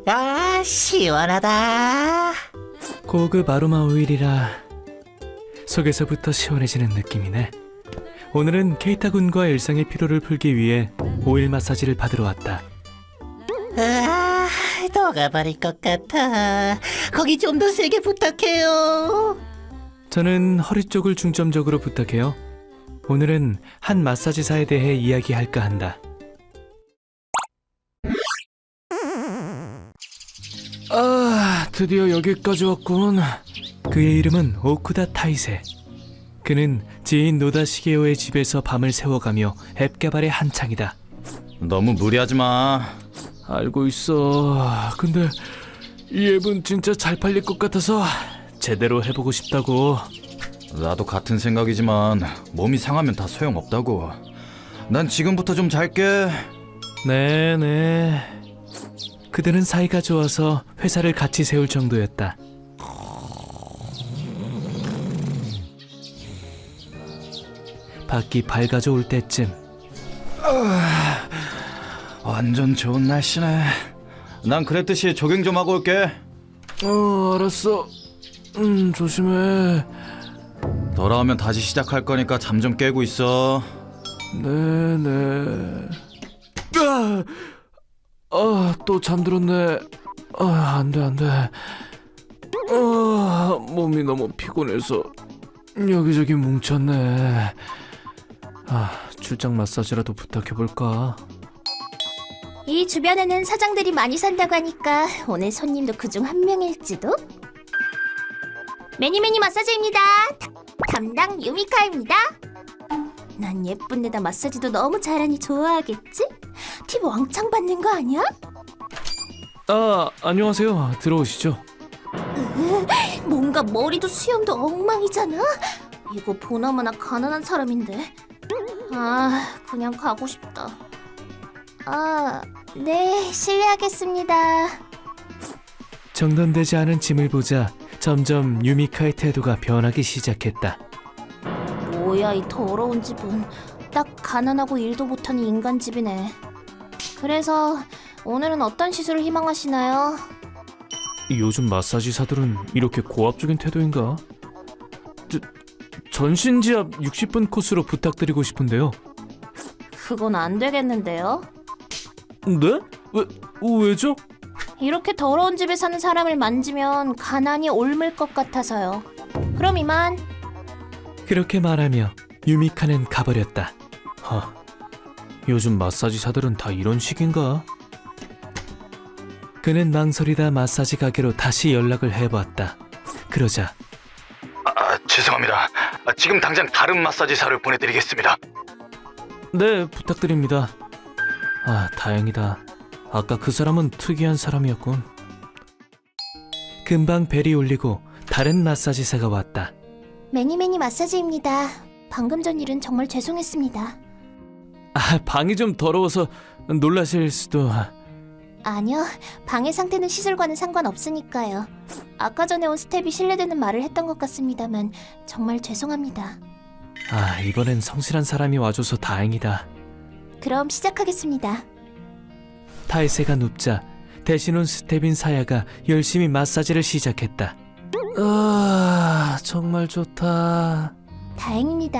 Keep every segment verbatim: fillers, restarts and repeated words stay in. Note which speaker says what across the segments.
Speaker 1: 아, 시원하다.
Speaker 2: 고급 아로마 오일이라 속에서부터 시원해지는 느낌이네. 오늘은 케이타 군과 일상의 피로를 풀기 위해 오일 마사지를 받으러 왔다.
Speaker 1: 아, 녹아버릴 것 같아. 거기 좀 더 세게 부탁해요.
Speaker 2: 저는 허리 쪽을 중점적으로 부탁해요. 오늘은 한 마사지사에 대해 이야기할까 한다. 아, 드디어 여기까지 왔군. 그의 이름은 오쿠다 타이세. 그는 지인 노다 시게오의 집에서 밤을 새워가며 앱 개발에 한창이다.
Speaker 3: 너무 무리하지 마.
Speaker 2: 알고 있어. 근데 이 앱은 진짜 잘 팔릴 것 같아서 제대로 해보고 싶다고.
Speaker 3: 나도 같은 생각이지만 몸이 상하면 다 소용없다고. 난 지금부터 좀 잘게.
Speaker 2: 네네. 그들은 사이가 좋아서 회사를 같이 세울 정도였다. 밖이 밝아져 올 때쯤
Speaker 3: 아, 완전 좋은 날씨네. 난 그랬듯이 조깅 좀 하고 올게.
Speaker 2: 어, 알았어. 음, 조심해.
Speaker 3: 돌아오면 다시 시작할 거니까 잠 좀 깨고 있어.
Speaker 2: 네네. 아, 아, 또 잠들었네. 아, 안 돼, 안 돼. 아, 몸이 너무 피곤해서 여기저기 뭉쳤네. 아, 출장 마사지라도 부탁해볼까?
Speaker 4: 이 주변에는 사장들이 많이 산다고 하니까 오늘 손님도 그중 한 명일지도? 매니매니 마사지입니다. 다- 담당 유미카입니다. 난 예쁜 데다 마사지도 너무 잘하니 좋아하겠지? 팁 왕창 받는 거 아니야?
Speaker 2: 아, 안녕하세요. 들어오시죠.
Speaker 4: 뭔가 머리도 수염도 엉망이잖아? 이거 보나마나 가난한 사람인데. 아, 그냥 가고 싶다. 아, 네, 실례하겠습니다.
Speaker 2: 정돈되지 않은 짐을 보자 점점 유미카의 태도가 변하기 시작했다.
Speaker 4: 뭐야, 이 더러운 집은. 딱 가난하고 일도 못하는 인간 집이네. 그래서 오늘은 어떤 시술을 희망하시나요?
Speaker 2: 요즘 마사지사들은 이렇게 고압적인 태도인가? 저, 전신지압 육십 분 코스로 부탁드리고 싶은데요.
Speaker 4: 그건 안 되겠는데요?
Speaker 2: 네? 왜, 왜죠?
Speaker 4: 이렇게 더러운 집에 사는 사람을 만지면 가난이 옮을 것 같아서요. 그럼 이만.
Speaker 2: 그렇게 말하며 유미카는 가버렸다. 허, 요즘 마사지사들은 다 이런 식인가? 그는 망설이다 마사지 가게로 다시 연락을 해보았다. 그러자
Speaker 3: 아, 죄송합니다. 아, 지금 당장 다른 마사지사를 보내드리겠습니다.
Speaker 2: 네, 부탁드립니다. 아, 다행이다. 아까 그 사람은 특이한 사람이었군. 금방 벨이 울리고 다른 마사지사가 왔다.
Speaker 4: 매니매니 마사지입니다. 방금 전 일은 정말 죄송했습니다.
Speaker 2: 아, 방이 좀 더러워서 놀라실 수도...
Speaker 4: 아니요, 방의 상태는 시술과는 상관없으니까요. 아까 전에 온 스텝이 실례되는 말을 했던 것 같습니다만 정말 죄송합니다.
Speaker 2: 아, 이번엔 성실한 사람이 와줘서 다행이다.
Speaker 4: 그럼 시작하겠습니다.
Speaker 2: 타이세가 눕자 대신 온 스텝인 사야가 열심히 마사지를 시작했다. 아, 정말 좋다.
Speaker 4: 다행입니다.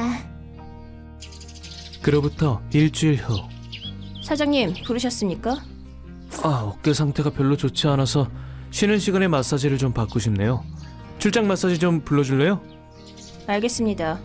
Speaker 2: 그로부터 일주일 후.
Speaker 4: 사장님, 부르셨습니까?
Speaker 2: 아, 어깨 상태가 별로 좋지 않아서 쉬는 시간에 마사지를 좀 받고 싶네요. 출장 마사지 좀 불러줄래요?
Speaker 4: 알겠습니다.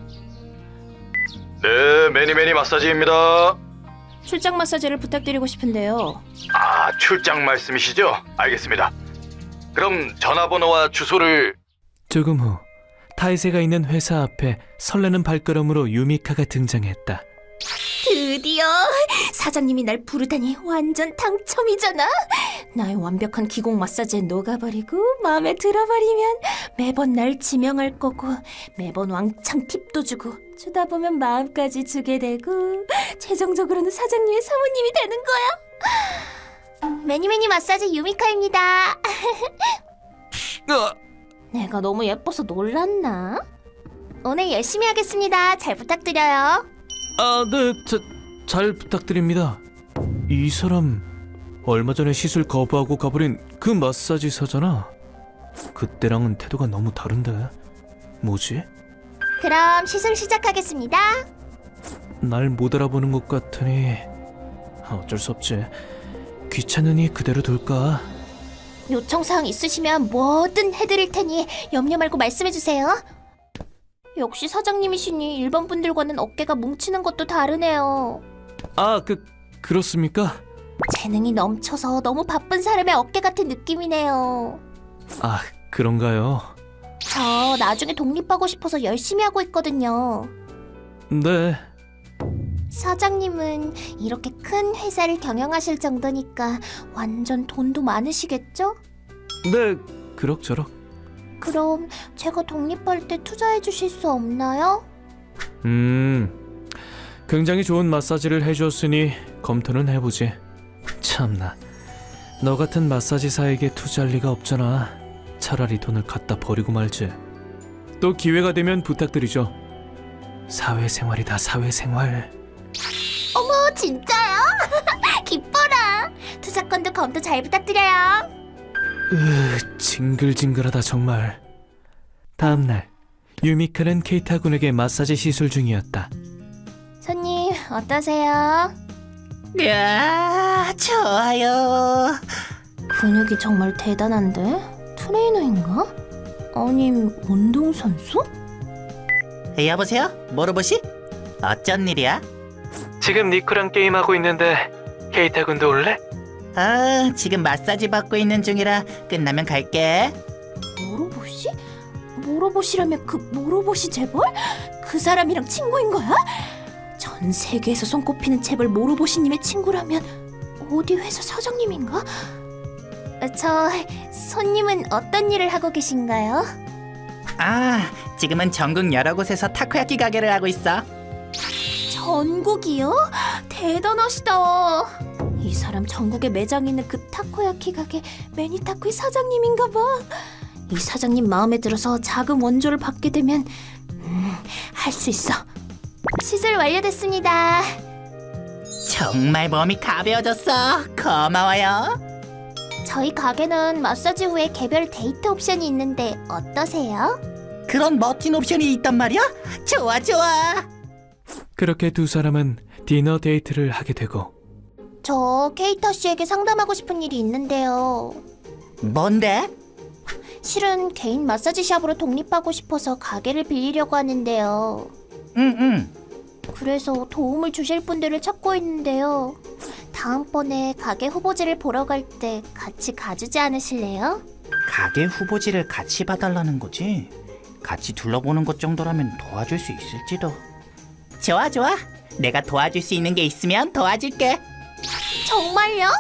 Speaker 3: 네, 매니매니 마사지입니다.
Speaker 4: 출장 마사지를 부탁드리고 싶은데요.
Speaker 3: 아, 출장 말씀이시죠? 알겠습니다. 그럼 전화번호와 주소를...
Speaker 2: 조금 후 타이세가 있는 회사 앞에 설레는 발걸음으로 유미카가 등장했다.
Speaker 4: 드디어 사장님이 날 부르다니 완전 당첨이잖아. 나의 완벽한 기공 마사지에 녹아버리고 마음에 들어버리면 매번 날 지명할 거고 매번 왕창 팁도 주고 주다 보면 마음까지 주게 되고 최종적으로는 사장님의 사모님이 되는 거야. 매니매니 마사지 유미카입니다.
Speaker 2: 아,
Speaker 4: 내가 너무 예뻐서 놀랐나? 오늘 열심히 하겠습니다. 잘 부탁드려요.
Speaker 2: 아, 네, 자, 잘 부탁드립니다. 이 사람 얼마 전에 시술 거부하고 가버린 그 마사지사잖아. 그때랑은 태도가 너무 다른데. 뭐지?
Speaker 4: 그럼 시술 시작하겠습니다.
Speaker 2: 날 못 알아보는 것 같으니 어쩔 수 없지. 귀찮으니 그대로 둘까?
Speaker 4: 요청사항 있으시면 뭐든 해드릴 테니 염려 말고 말씀해주세요. 역시 사장님이시니 일반 분들과는 어깨가 뭉치는 것도 다르네요.
Speaker 2: 아, 그 그렇습니까?
Speaker 4: 재능이 넘쳐서 너무 바쁜 사람의 어깨 같은 느낌이네요.
Speaker 2: 아, 그런가요?
Speaker 4: 저 나중에 독립하고 싶어서 열심히 하고 있거든요.
Speaker 2: 네.
Speaker 4: 사장님은 이렇게 큰 회사를 경영하실 정도니까 완전 돈도 많으시겠죠?
Speaker 2: 네, 그럭저럭.
Speaker 4: 그럼 제가 독립할 때 투자해 주실 수 없나요?
Speaker 2: 음, 굉장히 좋은 마사지를 해주었으니 검토는 해보지. 참나, 너 같은 마사지사에게 투자할 리가 없잖아. 차라리 돈을 갖다 버리고 말지. 또 기회가 되면 부탁드리죠. 사회생활이다, 사회생활.
Speaker 4: 어머, 진짜요? 기뻐라. 투자건도 검토 잘 부탁드려요.
Speaker 2: 으, 징글징글하다 정말. 다음날 유미카는 케이타 군에게 마사지 시술 중이었다.
Speaker 4: 손님, 어떠세요?
Speaker 1: 이야, 좋아요.
Speaker 4: 근육이 정말 대단한데? 트레이너인가? 아님 운동선수?
Speaker 1: 여보세요? 모로보시? 어쩐 일이야?
Speaker 2: 지금 니코랑 게임하고 있는데 케이타 군도 올래?
Speaker 1: 아, 지금 마사지 받고 있는 중이라 끝나면 갈게.
Speaker 4: 모로보시? 모로보시라면 그 모로보시 재벌? 그 사람이랑 친구인 거야? 전 세계에서 손꼽히는 재벌 모로보시님의 친구라면 어디 회사 사장님인가? 어, 저 손님은 어떤 일을 하고 계신가요?
Speaker 1: 아, 지금은 전국 여러 곳에서 타코야키 가게를 하고 있어.
Speaker 4: 전국이요? 대단하시다. 이 사람 전국에 매장 있는 그 타코야키 가게 매니타코의 사장님인가 봐. 이 사장님 마음에 들어서 자금 원조를 받게 되면 음, 할 수 있어. 시술 완료됐습니다.
Speaker 1: 정말 몸이 가벼워졌어. 고마워요.
Speaker 4: 저희 가게는 마사지 후에 개별 데이트 옵션이 있는데 어떠세요?
Speaker 1: 그런 멋진 옵션이 있단 말이야? 좋아, 좋아.
Speaker 2: 그렇게 두 사람은 디너 데이트를 하게 되고.
Speaker 4: 저 케이타 씨에게 상담하고 싶은 일이 있는데요.
Speaker 1: 뭔데?
Speaker 4: 실은 개인 마사지 샵으로 독립하고 싶어서 가게를 빌리려고 하는데요.
Speaker 1: 응, 응.
Speaker 4: 그래서 도움을 주실 분들을 찾고 있는데요. 다음번에 가게 후보지를 보러 갈 때 같이 가주지 않으실래요?
Speaker 1: 가게 후보지를 같이 봐달라는 거지? 같이 둘러보는 것 정도라면 도와줄 수 있을지도. 좋아, 좋아. 내가 도와줄 수 있는 게 있으면 도와줄게.
Speaker 4: 정말요?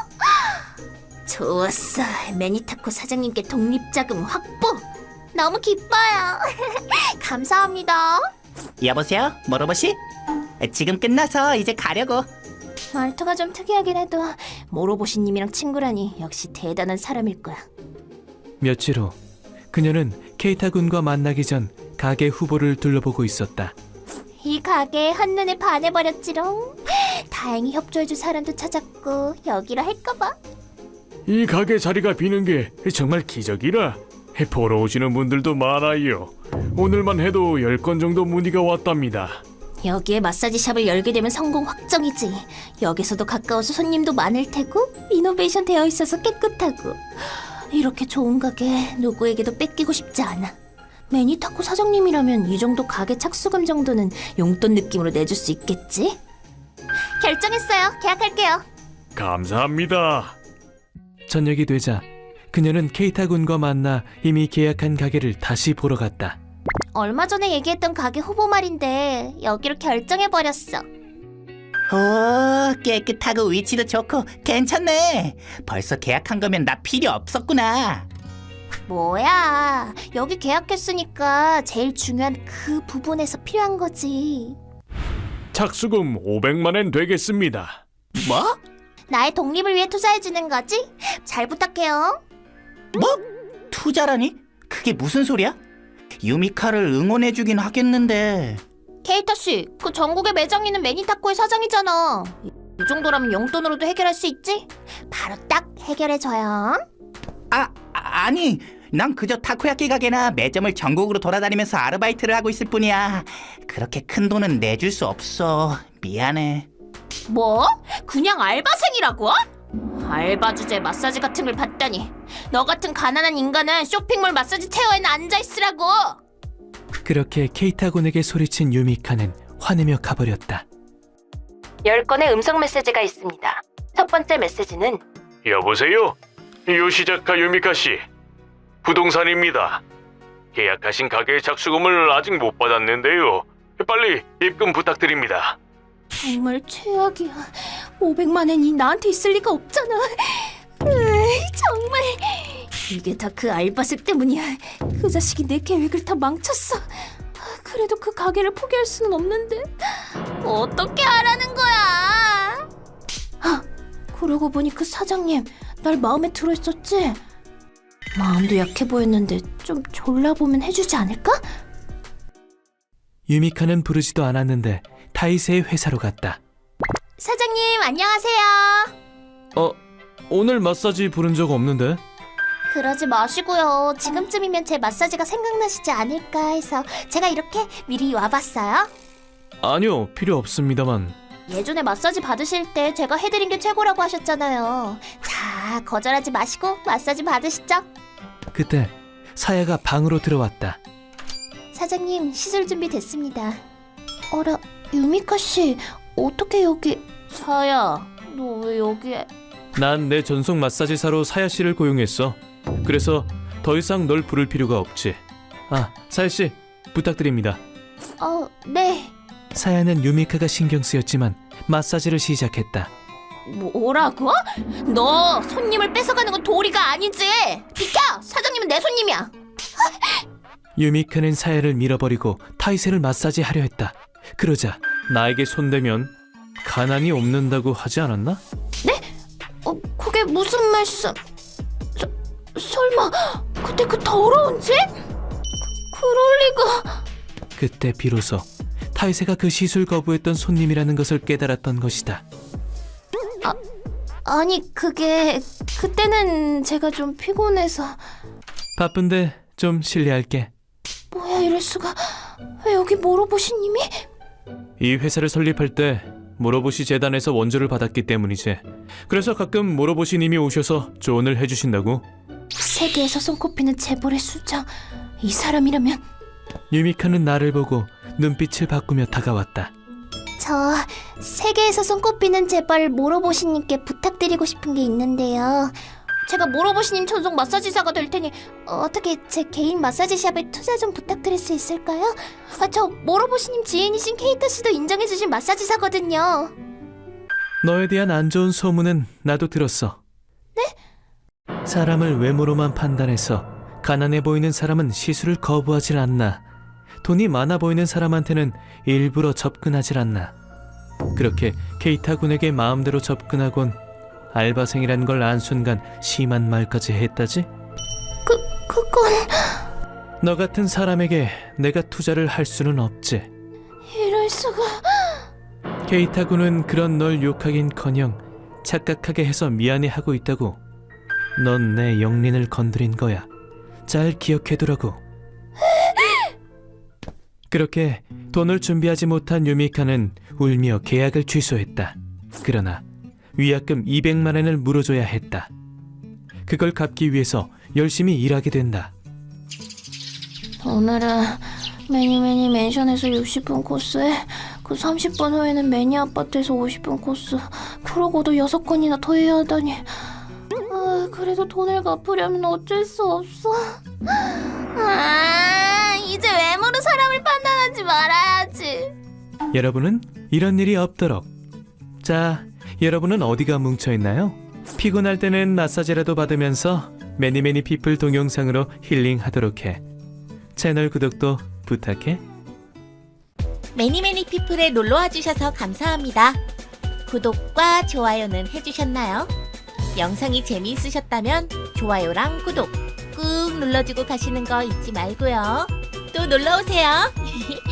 Speaker 4: 좋았어. 매니타코 사장님께 독립자금 확보. 너무 기뻐요. 감사합니다.
Speaker 1: 여보세요? 모로보시? 지금 끝나서 이제 가려고.
Speaker 4: 말투가 좀 특이하긴 해도 모로보시님이랑 친구라니 역시 대단한 사람일 거야.
Speaker 2: 며칠 후 그녀는 케이타 군과 만나기 전 가게 후보를 둘러보고 있었다.
Speaker 4: 이 가게에 한눈에 반해버렸지롱. 다행히 협조해줄 사람도 찾았고 여기로 할까봐.
Speaker 5: 이 가게 자리가 비는 게 정말 기적이라. 보러 오시는 분들도 많아요. 오늘만 해도 열 건 정도 문의가 왔답니다.
Speaker 4: 여기에 마사지 샵을 열게 되면 성공 확정이지. 역에서도 가까워서 손님도 많을 테고 리노베이션 되어 있어서 깨끗하고. 이렇게 좋은 가게 누구에게도 뺏기고 싶지 않아. 매니타코 사장님이라면 이 정도 가게 착수금 정도는 용돈 느낌으로 내줄 수 있겠지? 결정했어요. 계약할게요.
Speaker 5: 감사합니다.
Speaker 2: 저녁이 되자 그녀는 케이타 군과 만나 이미 계약한 가게를 다시 보러 갔다.
Speaker 4: 얼마 전에 얘기했던 가게 후보 말인데 여기로 결정해버렸어.
Speaker 1: 오, 깨끗하고 위치도 좋고 괜찮네. 벌써 계약한 거면 나 필요 없었구나.
Speaker 4: 뭐야, 여기 계약했으니까 제일 중요한 그 부분에서 필요한 거지.
Speaker 5: 착수금 오백만 엔 되겠습니다.
Speaker 1: 뭐?
Speaker 4: 나의 독립을 위해 투자해주는 거지? 잘 부탁해요.
Speaker 1: 뭐? 투자라니? 그게 무슨 소리야? 유미카를 응원해주긴 하겠는데.
Speaker 4: 케이타 씨, 그 전국에 매장 있는 매니타코의 사장이잖아. 이 정도라면 용돈으로도 해결할 수 있지? 바로 딱 해결해줘요.
Speaker 1: 아, 아니, 난 그저 타코야끼 가게나 매점을 전국으로 돌아다니면서 아르바이트를 하고 있을 뿐이야. 그렇게 큰 돈은 내줄 수 없어. 미안해.
Speaker 4: 뭐? 그냥 알바생이라고? 알바 주제 마사지 같은 걸 받다니. 너 같은 가난한 인간은 쇼핑몰 마사지 체어에는 앉아있으라고.
Speaker 2: 그렇게 케이타군에게 소리친 유미카는 화내며 가버렸다.
Speaker 4: 열 건의 음성 메시지가 있습니다. 첫 번째 메시지는
Speaker 5: 여보세요? 요시자카 유미카 씨. 부동산입니다. 계약하신 가게의 작수금을 아직 못 받았는데요. 빨리 입금 부탁드립니다.
Speaker 4: 정말 최악이야. 오백만 원이 나한테 있을 리가 없잖아. 으이, 정말 이게 다 그 알바생 때문이야. 그 자식이 내 계획을 다 망쳤어. 그래도 그 가게를 포기할 수는 없는데 어떻게 하라는 거야? 아, 그러고 보니 그 사장님 날 마음에 들어 있었지? 마음도 약해 보였는데 좀 졸라보면 해주지 않을까?
Speaker 2: 유미카는 부르지도 않았는데 타이세의 회사로 갔다.
Speaker 4: 사장님 안녕하세요.
Speaker 2: 어, 오늘 마사지 부른 적 없는데?
Speaker 4: 그러지 마시고요. 지금쯤이면 제 마사지가 생각나시지 않을까 해서 제가 이렇게 미리 와봤어요.
Speaker 2: 아니요, 필요 없습니다만.
Speaker 4: 예전에 마사지 받으실 때 제가 해드린 게 최고라고 하셨잖아요. 자, 거절하지 마시고 마사지 받으시죠.
Speaker 2: 그때 사야가 방으로 들어왔다.
Speaker 4: 사장님, 시술 준비 됐습니다. 어라, 유미카 씨, 어떻게 여기... 사야, 너 왜 여기에...
Speaker 2: 난 내 전속 마사지사로 사야 씨를 고용했어. 그래서 더 이상 널 부를 필요가 없지. 아, 사야 씨, 부탁드립니다.
Speaker 4: 어, 네.
Speaker 2: 사야는 유미카가 신경 쓰였지만 마사지를 시작했다.
Speaker 4: 뭐라고? 너 손님을 뺏어가는 건 도리가 아니지. 비켜! 사장님은 내 손님이야.
Speaker 2: 유미카는 사야를 밀어버리고 타이세를 마사지하려 했다. 그러자 나에게 손대면 가난이 없는다고 하지 않았나?
Speaker 4: 어, 그게 무슨 말씀? 서, 설마 그때 그 더러운 집? 그, 그럴 리가...
Speaker 2: 그때 비로소 타이세가 그 시술 거부했던 손님이라는 것을 깨달았던 것이다.
Speaker 4: 아니, 그게... 그때는 제가 좀 피곤해서...
Speaker 2: 바쁜데 좀 실례할게.
Speaker 4: 뭐야, 이럴 수가... 왜 여기 모로보시님이?
Speaker 2: 이 회사를 설립할 때 모로보시 재단에서 원조를 받았기 때문이지. 그래서 가끔 모로보시님이 오셔서 조언을 해주신다고.
Speaker 4: 세계에서 손꼽히는 재벌의 수장... 이 사람이라면...
Speaker 2: 유미카는 나를 보고 눈빛을 바꾸며 다가왔다.
Speaker 4: 저... 세계에서 손꼽히는 재벌 모로보시님께 부탁드리고 싶은 게 있는데요. 제가 모로보시님 전속 마사지사가 될 테니 어떻게 제 개인 마사지샵에 투자 좀 부탁드릴 수 있을까요? 아, 저 모로보시님 지인이신 케이타 씨도 인정해주신 마사지사거든요.
Speaker 2: 너에 대한 안 좋은 소문은 나도 들었어. 네? 사람을 외모로만 판단해서 가난해 보이는 사람은 시술을 거부하질 않나. 돈이 많아 보이는 사람한테는 일부러 접근하질 않나. 그렇게 케이타 군에게 마음대로 접근하곤 알바생이란 걸 안 순간 심한 말까지 했다지?
Speaker 4: 그, 그건...
Speaker 2: 너 같은 사람에게 내가 투자를 할 수는 없지.
Speaker 4: 이럴 수가...
Speaker 2: 케이타 군은 그런 널 욕하긴커녕 착각하게 해서 미안해하고 있다고. 넌 내 영린을 건드린 거야. 잘 기억해두라고. 그렇게 돈을 준비하지 못한 유미카는 울며 계약을 취소했다. 그러나 위약금 이백만 원을 물어줘야 했다. 그걸 갚기 위해서 열심히 일하게 된다.
Speaker 4: 오늘은 매니매니 맨션에서 육십 분 코스에 그 삼십 분 후에는 매니 아파트에서 오십 분 코스, 그러고도 여섯 건이나 더 해야 하다니. 아, 그래도 돈을 갚으려면 어쩔 수 없어. 아, 이제 외모로 사람을 판단하지 말아야지.
Speaker 2: 여러분은 이런 일이 없도록. 자, 여러분은 어디가 뭉쳐있나요? 피곤할 때는 마사지라도 받으면서 매니매니 피플 동영상으로 힐링하도록 해. 채널 구독도 부탁해.
Speaker 6: 매니매니 피플에 놀러와 주셔서 감사합니다. 구독과 좋아요는 해주셨나요? 영상이 재미있으셨다면 좋아요랑 구독 꾹 눌러주고 가시는 거 잊지 말고요. 또 놀러오세요.